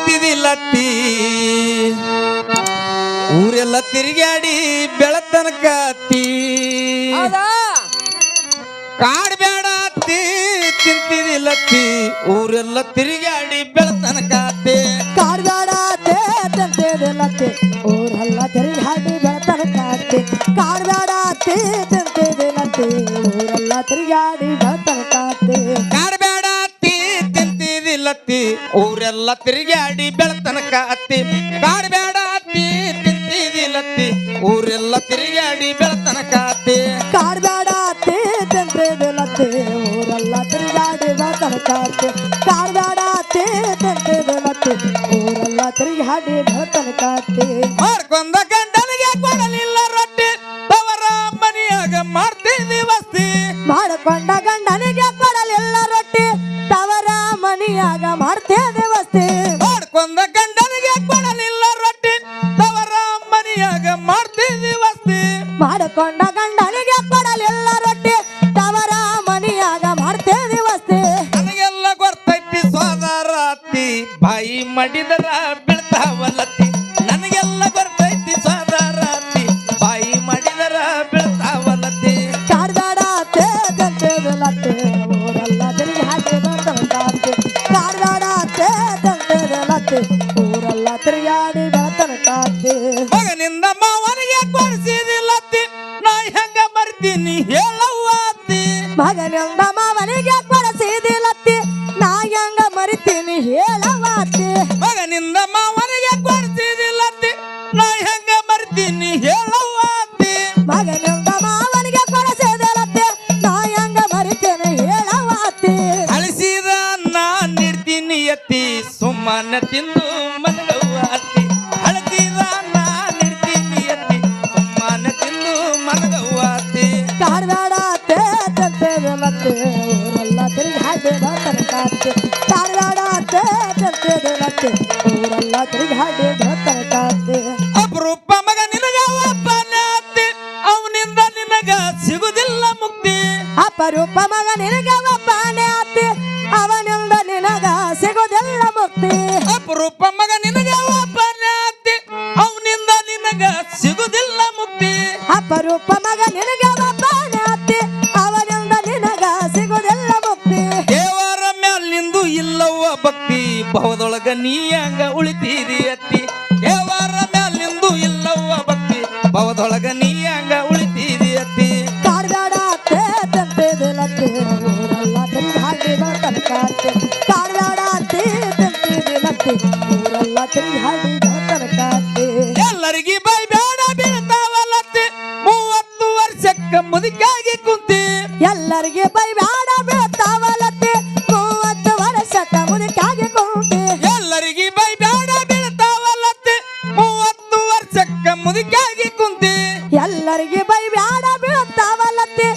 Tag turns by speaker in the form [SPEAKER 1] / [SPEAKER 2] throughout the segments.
[SPEAKER 1] ತಿಂತಿದಿಲ್ಲತ್ತಿ ಊರೆಲ್ಲ ತಿರುಗಾಡಿ ಬೆಳತನಕ ಅತ್ತಿ ಕಾಡ್ಬೇಡ ಅತ್ತಿ ತಿಂತಿದಿಲ್ಲತ್ತಿ ಊರೆಲ್ಲ ತಿರುಗಾಡಿ ಬೆಳತನಕ ಅತ್ತಿ
[SPEAKER 2] ಕಾಡ್ಬೇಡ ಅತ್ತೆ ತಿಂತಿದಿಲ್ಲತ್ತಿ ಊರೆಲ್ಲ ತಿರುಗಾಡಿ ಬೆಳತನಕ ಅತ್ತಿ ಕಾಡ್ಬೇಡ ಅತ್ತೆ ತಿಂತಿದಿಲ್ಲತ್ತಿ ಊರೆಲ್ಲ ತಿರುಗಾಡಿ ಬೆಳತನಕ ಅತ್ತಿ
[SPEAKER 1] ಕಾಡ್ಬೇಡ ಅತ್ತಿ ತಿಂತಿದಿಲ್ಲತ್ತಿ ಊರೆಲ್ಲ ತಿರುಗಾಡಿ ಬೆಳತನಕ ಅತ್ತಿ ಕಾಡ್ಬೇಡ ಅತ್ತಿ ತಿಂತಿದಿಲ್ಲತ್ತಿ ಊರೆಲ್ಲ ತಿರುಗಾಡಿ ಬೆಳತನಕ ಅತ್ತಿ
[SPEAKER 2] ಕಾಡ್ಬೇಡ ಅತ್ತೆ ತಿಂತಿದಿಲ್ಲತ್ತಿ ಊರೆಲ್ಲ ತಿರುಗಾಡಿ ಬೆಳತನಕ ಅತ್ತಿ ಕಾಡ್ಬೇಡ ಅತ್ತೆ ತಿಂತಿದಿಲ್ಲತ್ತಿ ಊರೆಲ್ಲ ತಿರುಗಾಡಿ ಬೆಳತನಕ ಅತ್ತಿ
[SPEAKER 1] ಮಾಡ್ಕೊಂಡ ಗಂಡನಿಗೆ ಕೊಡಲಿಲ್ಲ ರೊಟ್ಟಿ ತವರ ಮನೆಯಾಗ ಮಾಡ್ತಿದ್ದಿ ವಸ್ತಿ
[SPEAKER 2] ಮಾಡಿಕೊಂಡ ಗಂಡನಿಗೆ ಕೊಡಲಿಲ್ಲ ರೊಟ್ಟಿ ತವರ ಮನೆಯಾಗ ಮಾಡ್ತೇವೆ ವಸ್ತಿ
[SPEAKER 1] ಮಾಡ್ಕೊಂಡ ಗಂಡನಿಗೆ ಕೊಡಲಿಲ್ಲ ರೊಟ್ಟಿ ತವರ ಮನೆಯಾಗ ಮಾಡ್ತಿದ್ದಿ ವಸ್ತಿ
[SPEAKER 2] ಮಾಡಿಕೊಂಡ ಗಂಡನಿಗೆ ಕೊಡಲಿಲ್ಲ ರೊಟ್ಟಿ ತವರ ಮನೆಯಾಗ ಮಾಡ್ತೇವೆ ವಸ್ತಿ
[SPEAKER 1] ನನಗೆಲ್ಲ ಗೊತ್ತೈತಿ ಸೋದರ ಅತ್ತಿ ಬಾಯಿ ಮಡಿದರ ಬೀಳ್ತಾವಲ್ಲತ್ತಿ ನನಗೆಲ್ಲ ಗೊತ್ತೈತಿ ಸೋದರ ಅತ್ತಿ ಬಾಯಿ ಮಡಿದರ ಬೀಳ್ತಾವಲ್ಲತ್ತಿ
[SPEAKER 2] ಕಾಡ್ಬೇಡ ಅತ್ತೆ ತಂತೇದಲತ್ತೆ ಊರೆಲ್ಲ ತಿರುಗಿ ಹಾಕಿ ಬೆಳತನಕಾತ್ತಿ ಕಾಡ್ಬೇಡ ಅತ್ತೆ ತಂತೇದಲತ್ತೆ ಊರೆಲ್ಲ ತಿರುಗಾಡಿ ಬೆಳತನಕಾತ್ತಿ
[SPEAKER 1] ಮಗನಿಂದ ಮಾವನಿಗೆ ಕೊಡಿಸಿದಿಲ್ಲತ್ತಿ ನಾ ಹೆಂಗ ಮರ್ತೀನಿ ಹೇಳವ್ವ ಅತ್ತಿ
[SPEAKER 2] ಮಗನಿಂದ ಮಾವನಿಗೆ ಕೊಡಿಸಿದಿಲ್ಲತ್ತಿ ನಾ ಹೆಂಗ ಮರಿತೀನಿ ಹೇಳವ್ವ ಅತ್ತಿ
[SPEAKER 1] ಮಗನಿಂದ ಮಾವನಿಗೆ ಕೊಡಿಸಿದಿಲ್ಲತ್ತಿ ನಾ ಹೆಂಗ ಮರ್ತೀನಿ ಹೇಳವ್ವ ಅತ್ತಿ
[SPEAKER 2] ಮಗನಿಂದ ಮಾವನಿಗೆ ಕೊಡಿಸಿದಿಲ್ಲತ್ತಿ ನಾ ಹೆಂಗ ಮರಿತೀನಿ ಹೇಳವ್ವ ಅತ್ತಿ
[SPEAKER 1] ಅಳಿಸಿದ ನಾ ನೀಡ್ತೀನಿ ಅತ್ತಿ ಸುಮ್ಮನೆ ತಿಂದು ಮನಗವ್ವ ಅತ್ತಿ ಅಳಿಸಿದ ನಾ ನೀಡ್ತೀನಿ ಅತ್ತಿ ಸುಮ್ಮನೆ ತಿಂದು ಮನಗವ್ವ ಅತ್ತಿ
[SPEAKER 2] ಕಾಡ್ಬೇಡ ಅತ್ತೆ ತಂತೇದಲತ್ತೆ ಊರೆಲ್ಲ ತಿರುಗಿ ಹಾಕಿ ಬೆಳತನಕಾತ್ತಿ ಕಾಡ್ಬೇಡ ಅತ್ತೆ ತಂತೇದಲತ್ತೆ ಊರೆಲ್ಲ ತಿರುಗಿ ಹಾಕಿ ಬೆಳತನಕಾತ್ತಿ
[SPEAKER 1] ಅಪರೂಪ ಮಗ ನಿನಗ ಒಬ್ಬನೇ ಅತ್ತಿ ಅವನಿಂದ ನಿನಗ ಸಿಗುದಿಲ್ಲ ಮುಕ್ತಿ
[SPEAKER 2] ಅಪರೂಪ ಮಗ ನಿನಗ ಒಬ್ಬನೇ ಅತ್ತಿ ಅವನಿಂದ ನಿನಗ ಸಿಗುವುದಿಲ್ಲ ಮುಕ್ತಿ
[SPEAKER 1] ಅಪರೂಪ ಮಗ ನಿನಗ ಒಬ್ಬನೇ ಅತ್ತಿ ಅವನಿಂದ ನಿನಗ ಸಿಗುದಿಲ್ಲ ಮುಕ್ತಿ
[SPEAKER 2] ಅಪರೂಪ ಮಗ ನಿನಗ ಒಬ್ಬನೇ ಅತ್ತಿ ಅವನಿಂದ ನಿನಗ ಸಿಗುವುದಿಲ್ಲ ಮುಕ್ತಿ
[SPEAKER 1] ದೇವರ ಮ್ಯಾಲಿಂದು ಇಲ್ಲವ್ವ ಭಕ್ತಿ ಭವದೊಳಗ ನೀ ಹಂಗ ಉಳಿತೀರಿ ಅತ್ತಿ ದೇವರ ಮ್ಯಾಲಿಂದು ಇಲ್ಲವ್ವ ಭಕ್ತಿ ಭವದೊಳಗ ನೀ ಹಂಗ ಉಳಿತೀರಿ ಅತ್ತಿ
[SPEAKER 2] ಕಾಡ್ಬೇಡ ಅತ್ತೆ ತಂತೇದಲತ್ತೆ ಊರೆಲ್ಲ ತಿರುಗಿ ಹಾಕಿ ಬೆಳತನಕಾತ್ತಿ ಕಾಡ್ಬೇಡ ಅತ್ತೆ ತಂತೇದಲತ್ತೆ ಊರೆಲ್ಲ ತಿರುಗಿ ಹಾಕಿ ಬೆಳತನಕಾತ್ತಿ
[SPEAKER 1] ಎಲ್ಲರಿಗೆ ಬೈ ಬೇಡ ಬೀಳ್ತಾವಲ್ಲತ್ತಿ 30 ವರ್ಷಕ್ಕ ಮುದುಕಾಗಿ ಕುಂತಿ
[SPEAKER 2] ಎಲ್ಲರಿಗೆ ಬೈಬೇಡ ಬೀಳ್ತಾವಲತ್ತಿ 30 ವರ್ಷಕ್ಕ ಮುದುಕಾಗಿ ಕುಂತಿ
[SPEAKER 1] ಎಲ್ಲರಿಗೆ ಬೈ ಬೇಡ ಬೀಳ್ತಾವಲ್ಲತ್ತಿ 30 ವರ್ಷಕ್ಕ ಮುದುಕಾಗಿ ಕುಂತಿ
[SPEAKER 2] ಎಲ್ಲರಿಗೆ ಬೈಬೇಡ ಬೀಳ್ತಾವಲತ್ತಿ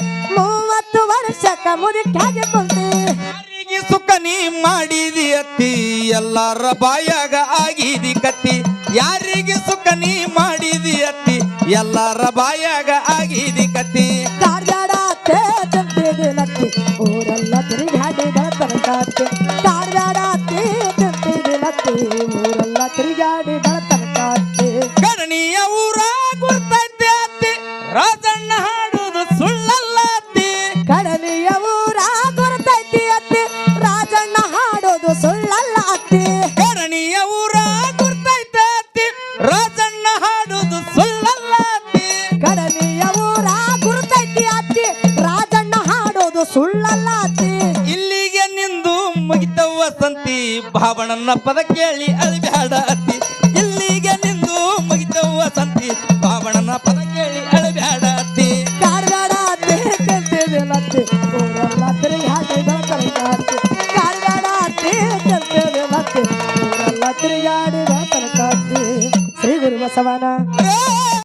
[SPEAKER 2] 30 ವರ್ಷಕ್ಕ ಮುದುಕಾಗಿ ಕುಂತಿ
[SPEAKER 1] ಯಾರಿಗೆ ಸುಖ ನೀ ಮಾಡಿದಿ ಅತ್ತಿ ಎಲ್ಲರ ಬಾಯಾಗ ಆಗಿದಿ ಕತ್ತಿ ಯಾರಿಗೆ ಸುಖ ನೀ ಮಾಡಿದಿ ಅತ್ತಿ ಎಲ್ಲರ ಬಾಯಾಗ ಆಗಿದಿ ಕತ್ತಿ
[SPEAKER 2] ಕಾಡ್ಬೇಡ ಅತ್ತೆ ತಂತಿದಿಲತ್ತಿ ಊರೆಲ್ಲ ತಿರುಗಿ ಹಾಕಿ ಬೆಳತನಕಾತ್ತಿ ಕಾಡ್ಬೇಡ ಅತ್ತೆ ತಂತಿದಿಲತ್ತಿ ಊರೆಲ್ಲ ತಿರುಗಾಡಿ ಬೆಳತನಕಾತ್ತಿ
[SPEAKER 1] ಕರ್ಣಿಯ ಊರ ಗುರ್ತೈತೆ ಅತ್ತಿ ರಾಜಣ್ಣ ಹಾಡುದು ಸುಳ್ಳಲ್ಲ ಅತ್ತಿ
[SPEAKER 2] ಕಡಲಿಯ ಊರ ಗುರ್ತೈತಿ ಅತ್ತಿ ರಾಜಣ್ಣ ಹಾಡೋದು ಸುಳ್ಳಲ್ಲ ಅತ್ತಿ
[SPEAKER 1] ಕರ್ಣಿಯ ಊರ ಗುರ್ತೈತೆ ಅತ್ತಿ ರಾಜಣ್ಣ ಹಾಡುದು ಸುಳ್ಳಲ್ಲ ಅತ್ತಿ
[SPEAKER 2] ಕಡಲಿಯ ಊರ ಗುರ್ತೈತಿ ಅತ್ತಿ ರಾಜಣ್ಣ ಹಾಡೋದು ಸುಳ್ಳಲ್ಲ ಅತ್ತಿ
[SPEAKER 1] ಇಲ್ಲಿಗೆ ನಿಂದು ಮುಗಿತವ್ವ ಸಂತಿ ಭಾವಣನ ಪದ ಕೇಳಿ ಅಳಬ್ಯಾಡ ಅತ್ತಿ ಇಲ್ಲಿಗೆ ನಿಂದು ಮುಗಿತವ್ವ ಸಂತಿ ಭಾವಣನ ಪದ ಕೇಳಿ ಅಳಬ್ಯಾಡ ಅತ್ತಿ
[SPEAKER 2] ಕಾಡ್ಬೇಡ ಅತ್ತಿ ತಂತಿದಿಲತ್ತಿ ಊರೆಲ್ಲ ತಿರುಗಿ ಹಾಕಿ ಬೆಳತನಕಾತ್ತಿ ಕಾಡ್ಬೇಡ ಅತ್ತಿ ತಂತಿದಿಲತ್ತಿ ಊರೆಲ್ಲ ತಿರುಗಾಡಿ ಬೆಳತನಕಾತ್ತಿ ಶ್ರೀ ಗುರು ಬಸವನ